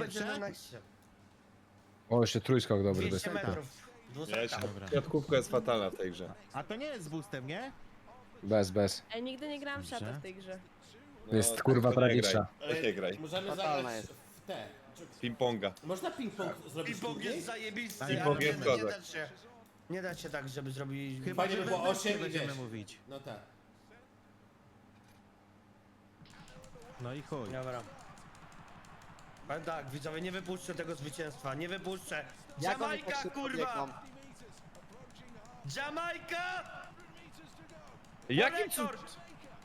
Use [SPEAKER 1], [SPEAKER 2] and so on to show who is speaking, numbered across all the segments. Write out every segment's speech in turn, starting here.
[SPEAKER 1] będzie
[SPEAKER 2] pierwsze?
[SPEAKER 1] na nexcie.
[SPEAKER 3] O, jeszcze trójskok dobry.
[SPEAKER 1] 200
[SPEAKER 3] Bez...
[SPEAKER 1] metrów.
[SPEAKER 4] Ja
[SPEAKER 1] 200.
[SPEAKER 4] się
[SPEAKER 2] Dobra.
[SPEAKER 4] Kwiatkówka jest fatalna w tej grze.
[SPEAKER 2] A to nie jest z boostem, nie?
[SPEAKER 3] Bez.
[SPEAKER 5] Ej, nigdy nie grałam w
[SPEAKER 2] Dobrze.
[SPEAKER 5] szata w tej grze.
[SPEAKER 4] No,
[SPEAKER 3] Jest,
[SPEAKER 4] tak
[SPEAKER 3] kurwa,
[SPEAKER 4] to nie
[SPEAKER 3] tragiczna.
[SPEAKER 4] graj. Nie graj.
[SPEAKER 6] Możemy
[SPEAKER 7] Fatalna
[SPEAKER 6] zagrać
[SPEAKER 7] jest.
[SPEAKER 6] w te.
[SPEAKER 4] Ping-ponga.
[SPEAKER 6] Można ping-pong zrobić
[SPEAKER 1] Ping-pong
[SPEAKER 6] turniej?
[SPEAKER 1] jest zajebisty,
[SPEAKER 2] Ping-pong
[SPEAKER 1] ale
[SPEAKER 4] jest
[SPEAKER 1] nie
[SPEAKER 4] kozak.
[SPEAKER 1] da się. Nie da się tak, żeby zrobić...
[SPEAKER 2] Chyba,
[SPEAKER 6] Fajnie
[SPEAKER 2] że
[SPEAKER 6] by było
[SPEAKER 2] wewnętrznie
[SPEAKER 6] 8 i
[SPEAKER 2] będziemy
[SPEAKER 6] wiesz.
[SPEAKER 2] mówić.
[SPEAKER 6] No tak.
[SPEAKER 2] No i chuj.
[SPEAKER 1] Dobra. Ale tak, widzowie, nie wypuszczę tego zwycięstwa, nie wypuszczę.
[SPEAKER 7] Jak oni
[SPEAKER 1] Jamajka,
[SPEAKER 7] tak szybko
[SPEAKER 1] kurwa!
[SPEAKER 7] biegną?
[SPEAKER 1] Jamajka!
[SPEAKER 4] Jakim
[SPEAKER 1] rekord!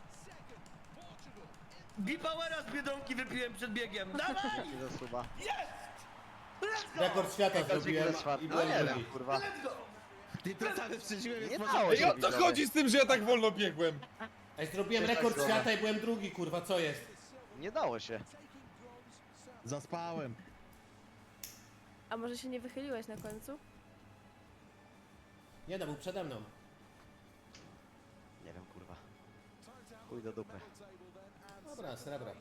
[SPEAKER 1] Bipowera z Biedronki wypiłem przed biegiem. Dawaj!
[SPEAKER 7] Nie zasuwa.
[SPEAKER 6] Rekord świata zrobiłem i
[SPEAKER 7] No
[SPEAKER 6] byłem
[SPEAKER 7] nie wiem,
[SPEAKER 6] drugi.
[SPEAKER 7] kurwa.
[SPEAKER 2] Ty to sam przeżyłem,
[SPEAKER 7] Nie
[SPEAKER 2] więc
[SPEAKER 7] dało
[SPEAKER 2] może...
[SPEAKER 4] Ej, o co chodzi z tym, że ja tak wolno biegłem?
[SPEAKER 6] Ej, zrobiłem
[SPEAKER 7] Też tak
[SPEAKER 6] rekord
[SPEAKER 7] zrobię.
[SPEAKER 6] świata i byłem drugi, kurwa, co jest?
[SPEAKER 7] Nie dało się.
[SPEAKER 2] Zaspałem.
[SPEAKER 5] A może się nie wychyliłeś na końcu?
[SPEAKER 6] Nie no, był przede mną.
[SPEAKER 7] Nie wiem, kurwa. Chuj do dupy.
[SPEAKER 6] Dobra, srebra.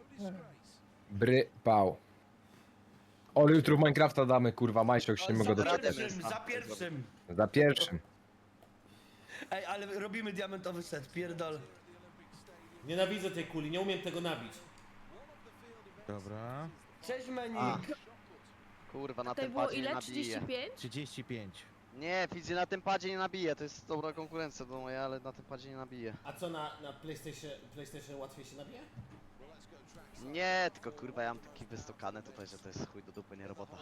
[SPEAKER 3] Pał. O, jutro w Minecrafta damy, kurwa, majszok się nie mogę
[SPEAKER 1] Za
[SPEAKER 3] doczekać.
[SPEAKER 1] pierwszym, za pierwszym.
[SPEAKER 3] Za pierwszym.
[SPEAKER 1] Ej, ale robimy diamentowy set, pierdol.
[SPEAKER 6] Nienawidzę tej kuli, nie umiem tego nabić.
[SPEAKER 2] Dobra.
[SPEAKER 1] Cześć
[SPEAKER 7] A.
[SPEAKER 1] Menik.
[SPEAKER 7] Kurwa, na
[SPEAKER 5] Tutaj
[SPEAKER 7] tym
[SPEAKER 5] było
[SPEAKER 7] padzie nie
[SPEAKER 5] ile?
[SPEAKER 7] nabije.
[SPEAKER 5] 35?
[SPEAKER 2] 35.
[SPEAKER 7] Nie, Fidzy na tym padzie nie nabije. To jest dobra konkurencja do mojej, ale na tym padzie nie nabije.
[SPEAKER 6] A co na PlayStation łatwiej się nabija?
[SPEAKER 7] Nie, tylko kurwa, ja mam taki wystokany tutaj, że to jest chuj do dupy, nie robota.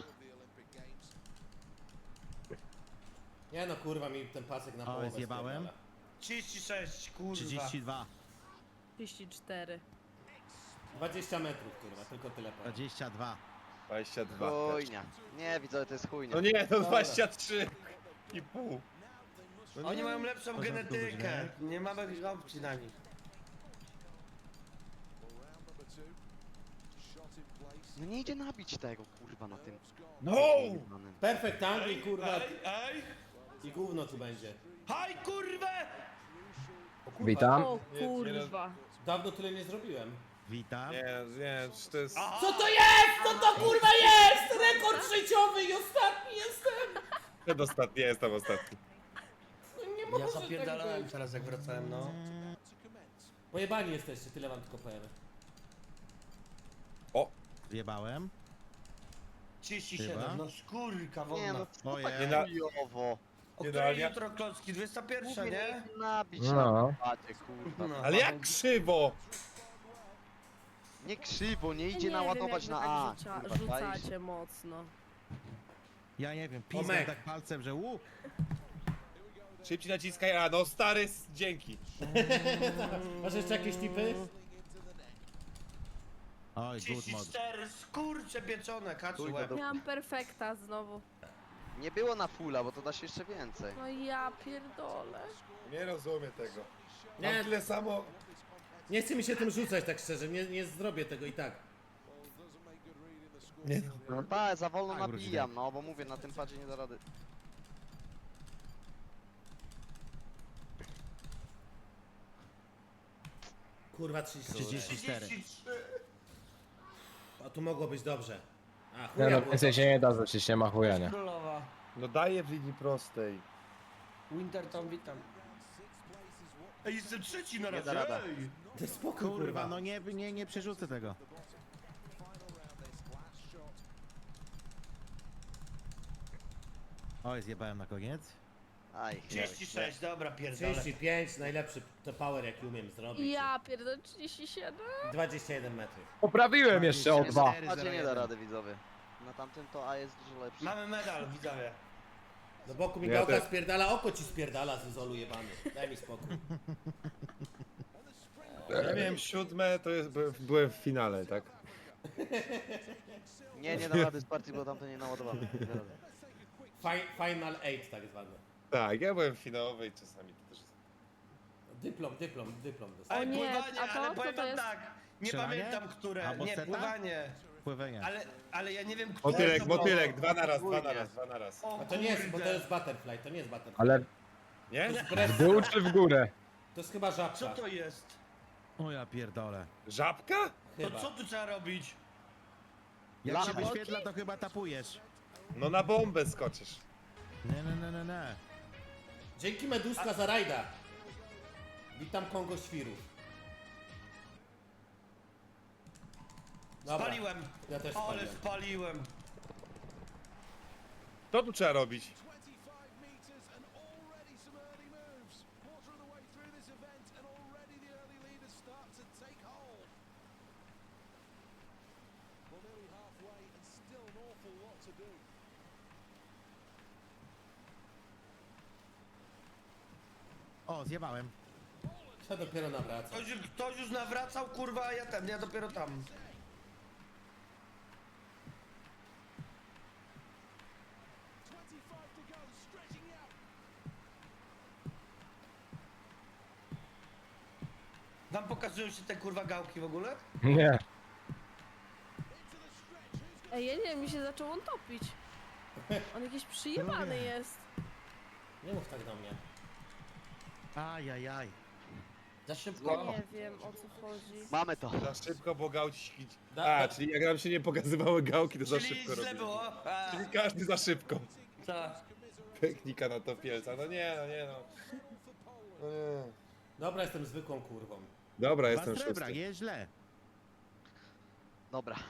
[SPEAKER 6] Nie no, kurwa, mi ten pasek na
[SPEAKER 2] O,
[SPEAKER 6] połowę
[SPEAKER 2] zjebałem.
[SPEAKER 6] spierdala.
[SPEAKER 1] 36, kurwa.
[SPEAKER 2] 32.
[SPEAKER 5] 34.
[SPEAKER 6] 20 metrów, kurwa, tylko tyle powiem.
[SPEAKER 2] 22.
[SPEAKER 4] 22.
[SPEAKER 7] Chujnia. Nie, widzowie, to jest chujnia.
[SPEAKER 4] No nie, to 23 i pół.
[SPEAKER 1] Oni mają lepszą
[SPEAKER 2] Porządku,
[SPEAKER 1] genetykę.
[SPEAKER 2] nie?
[SPEAKER 1] Nie mamy opcji na nich.
[SPEAKER 7] No nie idzie nabić tego, kurwa, na tym.
[SPEAKER 4] No!
[SPEAKER 7] jebanym.
[SPEAKER 6] Perfect angle, kurwa,
[SPEAKER 1] Ej!
[SPEAKER 6] i gówno tu będzie.
[SPEAKER 1] Haj, kurwę!
[SPEAKER 6] O, kurwa,
[SPEAKER 3] Witam.
[SPEAKER 5] O kurwa.
[SPEAKER 6] Dawno tyle nie zrobiłem.
[SPEAKER 2] Witam.
[SPEAKER 4] Nie, to jest...
[SPEAKER 6] Co to jest? Co to kurwa jest? Rekord życiowy i ostatni jestem!
[SPEAKER 4] Przedostatni, ja jestem ostatni.
[SPEAKER 6] Nie
[SPEAKER 1] Ja
[SPEAKER 6] może
[SPEAKER 1] zapierdalałem
[SPEAKER 6] tak być.
[SPEAKER 1] teraz jak wracałem, no.
[SPEAKER 6] Pojebani jesteście, tyle wam tylko powiem.
[SPEAKER 4] O!
[SPEAKER 2] Zjebałem.
[SPEAKER 1] 37,
[SPEAKER 2] Chyba?
[SPEAKER 1] no skórka
[SPEAKER 7] Nie
[SPEAKER 1] wodna.
[SPEAKER 7] no, co
[SPEAKER 2] Ojej.
[SPEAKER 7] tak
[SPEAKER 4] Nie na-
[SPEAKER 7] chujowo.
[SPEAKER 1] O
[SPEAKER 4] nie
[SPEAKER 1] której
[SPEAKER 4] da-
[SPEAKER 1] jutro klocki? 21,
[SPEAKER 7] Mówię,
[SPEAKER 1] nie?
[SPEAKER 7] nie idzie nabić
[SPEAKER 3] No.
[SPEAKER 7] na tym padzie, kurwa.
[SPEAKER 1] No.
[SPEAKER 4] Ale jak krzywo!
[SPEAKER 7] Nie krzywo, nie
[SPEAKER 5] Ja
[SPEAKER 7] idzie
[SPEAKER 5] nie
[SPEAKER 7] naładować
[SPEAKER 5] wiem,
[SPEAKER 7] na
[SPEAKER 5] jak
[SPEAKER 7] A.
[SPEAKER 5] wy tak
[SPEAKER 7] Kurwa, czaisz?
[SPEAKER 5] rzucacie mocno.
[SPEAKER 2] Ja nie wiem, pisam
[SPEAKER 6] Tomek.
[SPEAKER 2] tak palcem, że łuk.
[SPEAKER 4] Szybciej naciskaj, a no stary, dzięki.
[SPEAKER 6] Masz jeszcze jakieś tipy?
[SPEAKER 2] Oj, good mod.
[SPEAKER 1] 34, skurcze pieczone, kaczy
[SPEAKER 7] Chuj do
[SPEAKER 1] łeb.
[SPEAKER 7] dupy.
[SPEAKER 5] Miałam perfekta znowu.
[SPEAKER 7] Nie było na fulla, bo to da się jeszcze więcej.
[SPEAKER 5] No ja pierdolę.
[SPEAKER 4] Nie rozumiem tego.
[SPEAKER 6] Nie.
[SPEAKER 4] Mam tyle samo...
[SPEAKER 6] Nie chce mi się tym rzucać tak szczerze, nie zrobię tego i tak.
[SPEAKER 4] Nie,
[SPEAKER 7] No tak, za wolno
[SPEAKER 2] Tak,
[SPEAKER 7] nabijam, no bo mówię, na tym padzie nie da rady.
[SPEAKER 6] Kurwa 33.
[SPEAKER 2] 34.
[SPEAKER 1] 33.
[SPEAKER 6] A tu mogło być dobrze. A
[SPEAKER 3] Nie
[SPEAKER 6] chuja
[SPEAKER 3] no,
[SPEAKER 6] było.
[SPEAKER 3] więcej się nie da, przecież nie ma chuja, nie.
[SPEAKER 1] Królowa.
[SPEAKER 4] No daję w linii prostej.
[SPEAKER 1] Winterton, witam. Ej, jestem trzeci na
[SPEAKER 7] Nie
[SPEAKER 1] razie,
[SPEAKER 7] da rada.
[SPEAKER 1] ej!
[SPEAKER 6] To jest spokój,
[SPEAKER 2] Kurwa, no nie przerzucę tego. Oj, zjebałem na koniec.
[SPEAKER 7] Aj,
[SPEAKER 1] 36, dobra, pierdolę.
[SPEAKER 6] 35, najlepszy to power jaki umiem zrobić.
[SPEAKER 5] Ja pierdolę 37.
[SPEAKER 6] 21 metrów.
[SPEAKER 3] Poprawiłem jeszcze o 2.
[SPEAKER 7] na padzie nie da rady, widzowie. Na tamtym to A jest dużo lepszy.
[SPEAKER 1] Mamy medal, widzowie.
[SPEAKER 6] Do boku mi
[SPEAKER 4] Ja
[SPEAKER 6] gałka
[SPEAKER 4] też.
[SPEAKER 6] spierdala, oko ci spierdala z izolu jebany. Daj mi spokój.
[SPEAKER 4] Ja miałem 7, to jest, byłem w finale, tak?
[SPEAKER 7] Nie da rady z partii, bo tamto nie naładowamy. Nie da rady.
[SPEAKER 6] Final 8 tak zwany.
[SPEAKER 4] Tak, ja byłem w finałowej czasami to też jest...
[SPEAKER 6] Dyplom dostałem.
[SPEAKER 1] Ej,
[SPEAKER 5] nie,
[SPEAKER 1] pływanie,
[SPEAKER 5] a to?
[SPEAKER 1] ale
[SPEAKER 5] Co
[SPEAKER 1] powiem
[SPEAKER 5] to
[SPEAKER 1] wam
[SPEAKER 5] jest?
[SPEAKER 1] tak. Nie
[SPEAKER 2] Strzelanie?
[SPEAKER 1] pamiętam, które.
[SPEAKER 2] Albo
[SPEAKER 1] Nie,
[SPEAKER 2] seta?
[SPEAKER 1] pływanie.
[SPEAKER 2] Pływanie.
[SPEAKER 1] Ale ja nie wiem, które
[SPEAKER 4] Motylek,
[SPEAKER 1] to było.
[SPEAKER 4] motylek, dwa na raz.
[SPEAKER 1] O,
[SPEAKER 6] A to nie jest, bo to
[SPEAKER 1] kurde.
[SPEAKER 6] jest butterfly, to nie jest butterfly.
[SPEAKER 3] Ale
[SPEAKER 4] Nie?
[SPEAKER 3] w dół czy w górę?
[SPEAKER 6] To jest chyba żabka.
[SPEAKER 1] Co to jest?
[SPEAKER 2] O ja pierdolę.
[SPEAKER 4] Żabka?
[SPEAKER 1] To
[SPEAKER 6] Chyba.
[SPEAKER 1] co tu trzeba robić?
[SPEAKER 2] Jak się
[SPEAKER 7] Lampy?
[SPEAKER 2] wyświetla, to chyba tapujesz.
[SPEAKER 4] No na bombę skoczysz.
[SPEAKER 2] Nie.
[SPEAKER 6] Dzięki Meduska za rajda. Witam Kongo Świrów. Dobra,
[SPEAKER 1] Spaliłem!
[SPEAKER 6] ja też
[SPEAKER 1] Ale
[SPEAKER 6] spaliłem.
[SPEAKER 1] spaliłem!
[SPEAKER 4] Co tu trzeba robić?
[SPEAKER 2] O, zjebałem.
[SPEAKER 6] Ja dopiero nawracam.
[SPEAKER 1] Ktoś już nawracał, kurwa, a ja dopiero tam. Wam pokazują się te kurwa gałki w ogóle?
[SPEAKER 3] Nie.
[SPEAKER 5] Ej, ja nie wiem, mi się zaczął on topić. On jakiś przyjebany jest.
[SPEAKER 6] Nie mów tak do mnie.
[SPEAKER 2] Ajajaj.
[SPEAKER 1] Za szybko.
[SPEAKER 5] Nie wiem, o co chodzi.
[SPEAKER 7] Mamy to.
[SPEAKER 4] Za szybko, bo gałki...
[SPEAKER 6] Da-
[SPEAKER 4] czyli jak nam się nie pokazywały gałki, to za
[SPEAKER 1] Czyli
[SPEAKER 4] szybko
[SPEAKER 1] źle
[SPEAKER 4] robimy.
[SPEAKER 1] było.
[SPEAKER 4] Czyli każdy za szybko.
[SPEAKER 1] Tak.
[SPEAKER 4] Technika na topielca. No nie. No nie.
[SPEAKER 6] Dobra, jestem zwykłą kurwą.
[SPEAKER 4] Dobra,
[SPEAKER 2] Dwa
[SPEAKER 4] jestem
[SPEAKER 2] srebra,
[SPEAKER 4] szósty.
[SPEAKER 2] nie źle.
[SPEAKER 7] Dobra.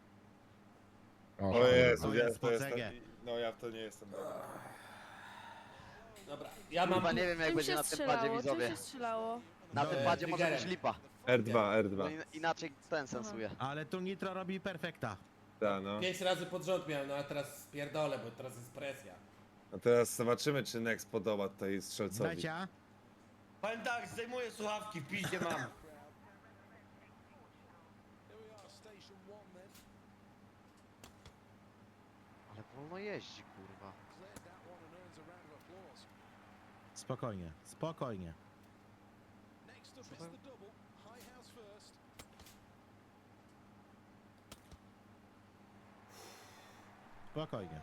[SPEAKER 4] O Jezu,
[SPEAKER 2] To
[SPEAKER 4] ja
[SPEAKER 2] jest
[SPEAKER 4] to jestem...
[SPEAKER 2] pocegę.
[SPEAKER 4] No ja w to nie jestem dobry.
[SPEAKER 6] Dobra, ja mam...
[SPEAKER 7] Chyba nie wiem jak
[SPEAKER 5] Czym
[SPEAKER 7] będzie
[SPEAKER 5] się
[SPEAKER 7] na tym padzie,
[SPEAKER 5] strzelało? Czym
[SPEAKER 7] widzowie.
[SPEAKER 5] się strzelało?
[SPEAKER 7] Na tym padzie może być
[SPEAKER 6] triggerem.
[SPEAKER 7] lipa.
[SPEAKER 4] R2,
[SPEAKER 7] Bo
[SPEAKER 4] R2.
[SPEAKER 7] inaczej ten sensuje.
[SPEAKER 2] Ale tu Nitro robi perfekta.
[SPEAKER 4] Tak, no.
[SPEAKER 6] 5 razy pod rząd miałem, no a teraz spierdolę, bo teraz jest presja.
[SPEAKER 4] A teraz zobaczymy, czy Nex podoba tutaj strzelcowi.
[SPEAKER 2] Dajcie.
[SPEAKER 1] Powiem tak, zdejmuję słuchawki, w piździe mam.
[SPEAKER 7] Ale wolno jeździ, kurwa.
[SPEAKER 2] Spokojnie. Spokojnie.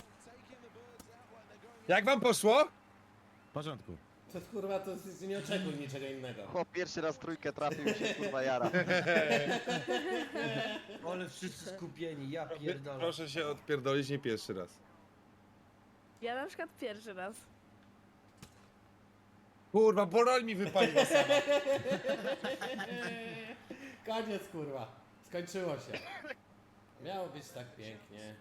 [SPEAKER 4] Jak wam poszło?
[SPEAKER 2] W porządku.
[SPEAKER 6] To kurwa, to nie oczekuj niczego innego.
[SPEAKER 7] Chłop pierwszy raz trójkę trafił i się kurwa jara.
[SPEAKER 1] Ale wszyscy skupieni, ja pierdolę.
[SPEAKER 4] Proszę się odpierdolić nie pierwszy raz.
[SPEAKER 5] Ja na przykład pierwszy raz.
[SPEAKER 4] Kurwa, Borol mi wypaliła sama.
[SPEAKER 6] Koniec kurwa. Skończyło się. Miało być tak pięknie.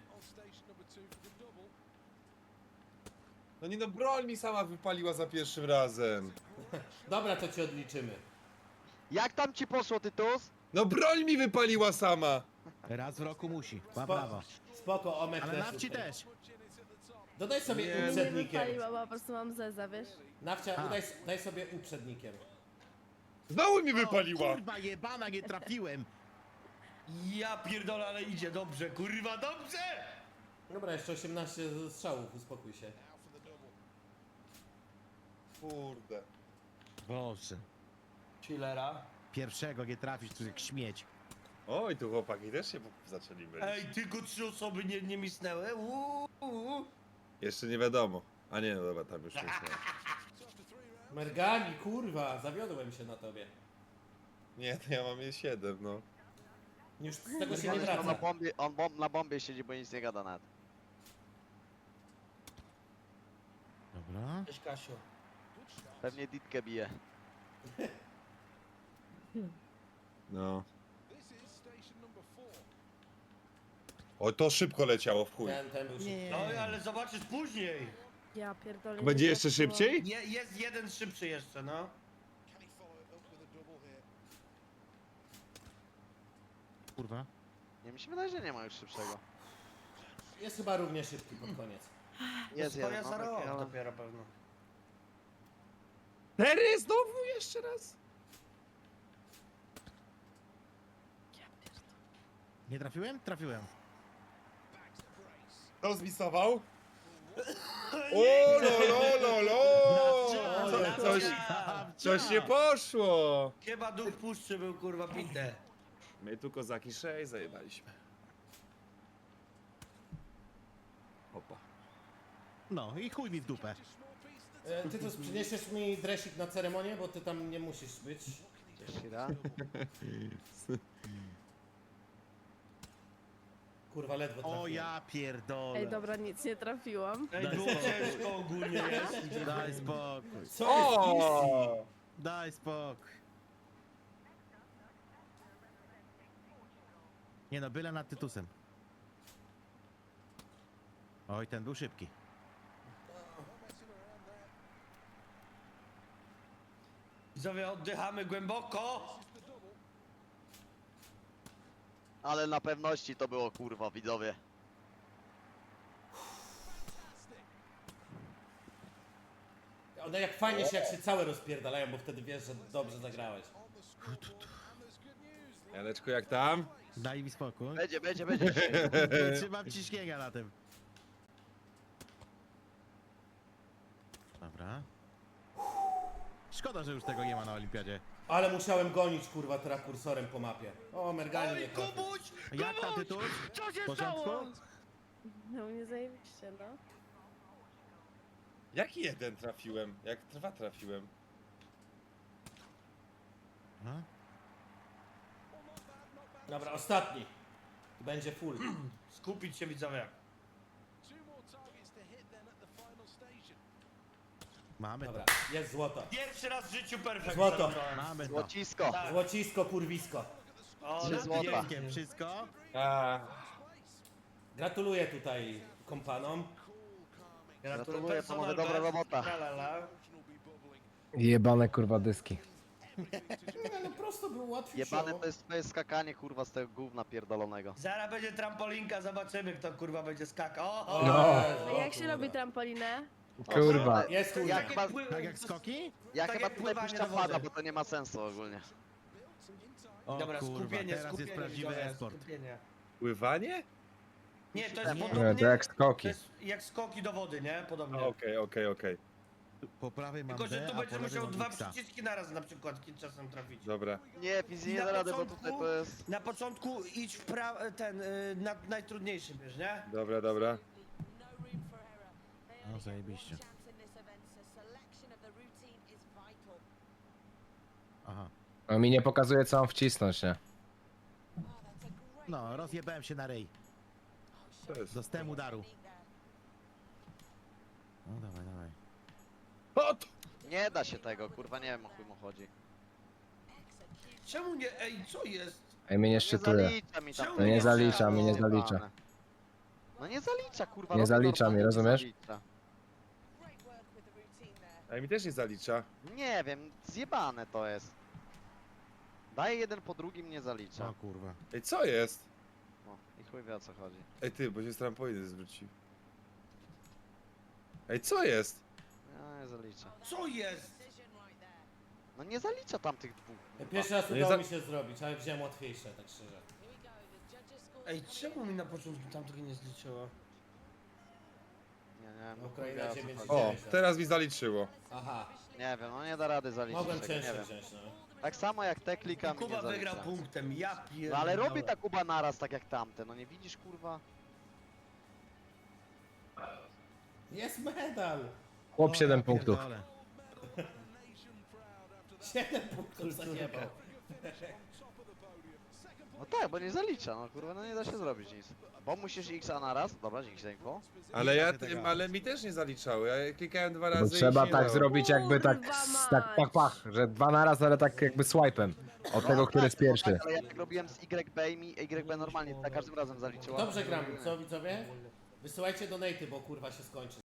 [SPEAKER 4] No nie no, broń mi sama wypaliła za pierwszym razem.
[SPEAKER 6] Dobra, to ci odliczymy.
[SPEAKER 7] Jak tam ci poszło, Tytus?
[SPEAKER 4] No broń mi wypaliła sama.
[SPEAKER 2] Raz w roku musi. Ma
[SPEAKER 6] Spo-
[SPEAKER 2] prawo.
[SPEAKER 6] Spoko, Omek
[SPEAKER 2] Ale
[SPEAKER 6] też
[SPEAKER 2] nawci
[SPEAKER 6] tutaj.
[SPEAKER 2] też.
[SPEAKER 6] Dodaj sobie
[SPEAKER 4] Nie.
[SPEAKER 5] Nie
[SPEAKER 6] uprzednikiem.
[SPEAKER 5] wypaliła, bo po prostu mam zeza, wiesz?
[SPEAKER 6] Nawcia,
[SPEAKER 2] A.
[SPEAKER 6] daj sobie uprzednikiem.
[SPEAKER 4] Znowu mi wypaliła.
[SPEAKER 2] Kurwa jebana, nie trafiłem.
[SPEAKER 1] Ja pierdolę, ale idzie dobrze, kurwa, dobrze!
[SPEAKER 6] Dobra, jeszcze 18 strzałów, uspokój się.
[SPEAKER 4] Kurde.
[SPEAKER 2] Boże.
[SPEAKER 1] Chillera.
[SPEAKER 2] Pierwszego nie trafisz, tu jak śmieć.
[SPEAKER 4] Oj, tu chłopaki też się zaczęli mylić.
[SPEAKER 1] Ej, tylko 3 osoby nie misnęły.
[SPEAKER 4] Jeszcze nie wiadomo. A nie, no dobra, tam już nie są.
[SPEAKER 6] Mergani, kurwa, zawiodłem się na tobie.
[SPEAKER 4] Nie, to ja mam je 7, no.
[SPEAKER 6] Już z tego się nie
[SPEAKER 7] On na
[SPEAKER 6] wraca.
[SPEAKER 7] bombie, na bombie siedzi, bo nic nie gada nawet.
[SPEAKER 2] Dobra.
[SPEAKER 1] Cześć Kasiu.
[SPEAKER 7] Pewnie ditkę bije.
[SPEAKER 4] No. O, to szybko leciało w chuj.
[SPEAKER 6] Ten był szybki.
[SPEAKER 2] Nie.
[SPEAKER 1] No ale zobaczysz później.
[SPEAKER 5] Ja pierdolę.
[SPEAKER 4] Będzie
[SPEAKER 5] nie
[SPEAKER 4] jeszcze
[SPEAKER 5] trafiło.
[SPEAKER 4] szybciej?
[SPEAKER 1] Jest jeden szybszy jeszcze, no.
[SPEAKER 2] Kurwa.
[SPEAKER 7] Nie, mi się wydaje, że nie ma już szybszego.
[SPEAKER 6] Jest chyba równie szybki pod koniec.
[SPEAKER 7] Jest
[SPEAKER 1] Swoja
[SPEAKER 7] jeden,
[SPEAKER 1] za
[SPEAKER 7] no,
[SPEAKER 1] rok
[SPEAKER 7] taki, ale...
[SPEAKER 1] dopiero pewno.
[SPEAKER 4] Tery znowu jeszcze raz?
[SPEAKER 5] Ja pierdolę.
[SPEAKER 2] Nie trafiłem? Trafiłem.
[SPEAKER 4] Kto zmisował? O, lo. Coś nie poszło.
[SPEAKER 1] Chyba duch puszczy był kurwa pite.
[SPEAKER 4] My tu kozaki 6 zajebaliśmy. Opa.
[SPEAKER 2] No i chuj mi w dupę.
[SPEAKER 6] Ty tu przyniesiesz mi dresik na ceremonię, bo ty tam nie musisz być.
[SPEAKER 7] Shira.
[SPEAKER 6] Kurwa, ledwo trafiłem.
[SPEAKER 2] O ja pierdolę.
[SPEAKER 5] Ej, dobra, nic nie trafiłam.
[SPEAKER 1] Ej, było ciężko ogólnie jest.
[SPEAKER 2] Daj spokój.
[SPEAKER 6] Co jest easy?
[SPEAKER 4] O!
[SPEAKER 2] Daj spokój. Nie no, byle nad Tytusem. Oj, ten był szybki.
[SPEAKER 1] Widzowie, oddychamy głęboko.
[SPEAKER 7] Ale na pewności to było kurwa, widzowie.
[SPEAKER 6] One jak fajnie się, jak się całe rozpierdalają, bo wtedy wiesz, że dobrze zagrałeś.
[SPEAKER 4] Janeczku, jak tam?
[SPEAKER 2] Daj mi spokój.
[SPEAKER 7] Będzie.
[SPEAKER 2] Nie trzymam ciśnienia na tym. Dobra. Szkoda, że już tego nie ma na olimpiadzie.
[SPEAKER 6] Ale musiałem gonić, kurwa, teraz kursorem po mapie. O, merganie mnie
[SPEAKER 1] Oj,
[SPEAKER 6] trafił.
[SPEAKER 1] Kubuś!
[SPEAKER 2] Jak tam Tytus?
[SPEAKER 1] Co się
[SPEAKER 2] W porządku?
[SPEAKER 1] stało?
[SPEAKER 5] No mnie zajebiście, no.
[SPEAKER 4] Jaki jeden trafiłem? Jak dwa trafiłem?
[SPEAKER 2] Aha.
[SPEAKER 6] Dobra, ostatni. Będzie full.
[SPEAKER 1] Skupić się, widzowie.
[SPEAKER 2] Mamy
[SPEAKER 6] Dobra,
[SPEAKER 2] to.
[SPEAKER 6] jest złoto.
[SPEAKER 1] Pierwszy raz w życiu perfekt.
[SPEAKER 6] Złoto.
[SPEAKER 1] zanotowałem.
[SPEAKER 2] Mamy to.
[SPEAKER 7] Złocisko.
[SPEAKER 1] Tak.
[SPEAKER 6] Złocisko, kurwisko.
[SPEAKER 1] O,
[SPEAKER 7] 3
[SPEAKER 1] na
[SPEAKER 7] złota.
[SPEAKER 1] pięknie.
[SPEAKER 2] Wszystko?
[SPEAKER 4] A,
[SPEAKER 6] Gratuluję tutaj kompanom.
[SPEAKER 7] Gratuluję, panowie, dobra robota.
[SPEAKER 3] Jebane kurwa dyski.
[SPEAKER 6] Nie, no prosto był łatwiej.
[SPEAKER 7] Jebane to jest skakanie kurwa z tego gówna pierdolonego.
[SPEAKER 1] Zaraz będzie trampolinka, zobaczymy kto kurwa będzie skakał.
[SPEAKER 3] No.
[SPEAKER 5] A jak się robi trampolinę?
[SPEAKER 3] Kurwa.
[SPEAKER 6] Jest chuj.
[SPEAKER 7] Ja chyba,
[SPEAKER 2] Tak jak skoki?
[SPEAKER 7] ja
[SPEAKER 1] tak
[SPEAKER 7] chyba
[SPEAKER 1] jak
[SPEAKER 7] tutaj
[SPEAKER 1] pływanie
[SPEAKER 7] puszczam
[SPEAKER 1] do wody.
[SPEAKER 7] pada, bo to nie ma sensu ogólnie.
[SPEAKER 2] O
[SPEAKER 1] Dobra,
[SPEAKER 2] kurwa,
[SPEAKER 1] skupienie,
[SPEAKER 2] teraz
[SPEAKER 1] skupienie.
[SPEAKER 2] jest prawdziwy
[SPEAKER 1] widzowie,
[SPEAKER 2] e-sport.
[SPEAKER 1] skupienie.
[SPEAKER 4] pływanie?
[SPEAKER 1] Nie, to jest
[SPEAKER 7] Nie,
[SPEAKER 1] podobnie...
[SPEAKER 3] to jak
[SPEAKER 1] To
[SPEAKER 3] skoki.
[SPEAKER 1] jest jak skoki do wody, nie? Podobnie.
[SPEAKER 4] Okej.
[SPEAKER 2] Po prawej mam
[SPEAKER 1] Tylko, że
[SPEAKER 2] D,
[SPEAKER 1] tu
[SPEAKER 2] a po
[SPEAKER 1] będziesz
[SPEAKER 2] lewej
[SPEAKER 1] musiał
[SPEAKER 2] mam
[SPEAKER 1] dwa
[SPEAKER 2] Xa.
[SPEAKER 1] przyciski naraz na przykład czasem trafić.
[SPEAKER 4] Dobra.
[SPEAKER 7] Nie, fizycznie nie
[SPEAKER 1] Na
[SPEAKER 7] da rady, bo
[SPEAKER 1] początku-
[SPEAKER 7] tutaj to jest...
[SPEAKER 1] Na początku idź w na najtrudniejszy, wiesz, nie?
[SPEAKER 4] Dobra.
[SPEAKER 2] No zajebiście. Aha.
[SPEAKER 3] No mi nie pokazuje co mam wcisnąć, nie?
[SPEAKER 2] No, rozjebałem się na ryj.
[SPEAKER 4] To jest...
[SPEAKER 2] Dostałem udaru. No dawaj.
[SPEAKER 4] O, to...
[SPEAKER 7] Nie da się tego, kurwa, nie wiem o chuj mu chodzi.
[SPEAKER 1] Czemu nie? Ej, co jest?
[SPEAKER 3] Ej, mnie nie
[SPEAKER 7] Nie
[SPEAKER 3] szczytuje.
[SPEAKER 7] zalicza mi tam
[SPEAKER 1] Czemu
[SPEAKER 7] tego.
[SPEAKER 1] nie
[SPEAKER 3] zalicza,
[SPEAKER 1] mnie nie
[SPEAKER 3] zalicza.
[SPEAKER 7] No nie zalicza, kurwa.
[SPEAKER 3] Nie
[SPEAKER 7] robię
[SPEAKER 3] zalicza
[SPEAKER 7] normalnie,
[SPEAKER 3] mi,
[SPEAKER 7] nie
[SPEAKER 3] rozumiesz?
[SPEAKER 7] zalicza.
[SPEAKER 4] A mi też nie zalicza.
[SPEAKER 7] Nie wiem, zjebane to jest. Daję jeden po drugim, nie zalicza.
[SPEAKER 2] O kurwa.
[SPEAKER 4] Ej, co jest?
[SPEAKER 7] O, i chuj wie o co chodzi.
[SPEAKER 4] Ej ty, bo się z trampoliny zwrócił. Ej, co jest?
[SPEAKER 7] Ja nie zalicza.
[SPEAKER 1] Co jest?
[SPEAKER 7] No nie zalicza tam tych dwóch.
[SPEAKER 6] Pierwszy raz
[SPEAKER 4] No nie
[SPEAKER 6] udało
[SPEAKER 4] za-
[SPEAKER 6] mi się zrobić, ale wziąłem łatwiejsze, tak szczerze.
[SPEAKER 1] Ej, czemu mi na początku tamtego nie zliczyło?
[SPEAKER 7] Nie, no chuj
[SPEAKER 6] Ukraina
[SPEAKER 7] wie o co
[SPEAKER 6] 9
[SPEAKER 7] chodzi.
[SPEAKER 4] O, teraz mi zaliczyło.
[SPEAKER 6] Aha,
[SPEAKER 7] Nie wiem, no nie da rady zaliczyć
[SPEAKER 6] mogłem
[SPEAKER 7] tego, nie
[SPEAKER 6] cięższe
[SPEAKER 7] wiem.
[SPEAKER 6] wziąć, no.
[SPEAKER 7] Tak samo jak te klikam i nie
[SPEAKER 1] Kuba wygrał
[SPEAKER 7] zalicza.
[SPEAKER 1] punktem, ja pierdolę.
[SPEAKER 7] No ale robi ta Kuba naraz tak jak tamte, no nie widzisz kurwa?
[SPEAKER 6] Jest medal!
[SPEAKER 3] Chłop
[SPEAKER 2] O,
[SPEAKER 3] 7
[SPEAKER 2] ja
[SPEAKER 3] punktów.
[SPEAKER 2] pierdolę.
[SPEAKER 6] 7 punktów zajebał.
[SPEAKER 7] No tak, bo nie zalicza, no kurwa, no nie da się zrobić nic. Bo musisz X naraz, dobra, dzięki za info.
[SPEAKER 4] Ale
[SPEAKER 2] Nie
[SPEAKER 4] ja,
[SPEAKER 2] da się tego.
[SPEAKER 4] ale mi też nie zaliczały. Ja klikałem 2
[SPEAKER 3] Bo
[SPEAKER 4] razy
[SPEAKER 3] trzeba
[SPEAKER 4] i się
[SPEAKER 3] tak
[SPEAKER 4] dało.
[SPEAKER 3] zrobić jakby tak,
[SPEAKER 5] Kurwa
[SPEAKER 3] tak
[SPEAKER 5] mać.
[SPEAKER 3] pach, że dwa naraz, ale tak jakby swipe'em. Od tego, który jest pierwszy.
[SPEAKER 7] Tak, ale ja tak robiłem z YB i mi YB normalnie za każdym razem zaliczyła.
[SPEAKER 6] Dobrze gram, co widzowie? Wysyłajcie donaty, bo kurwa się skończy.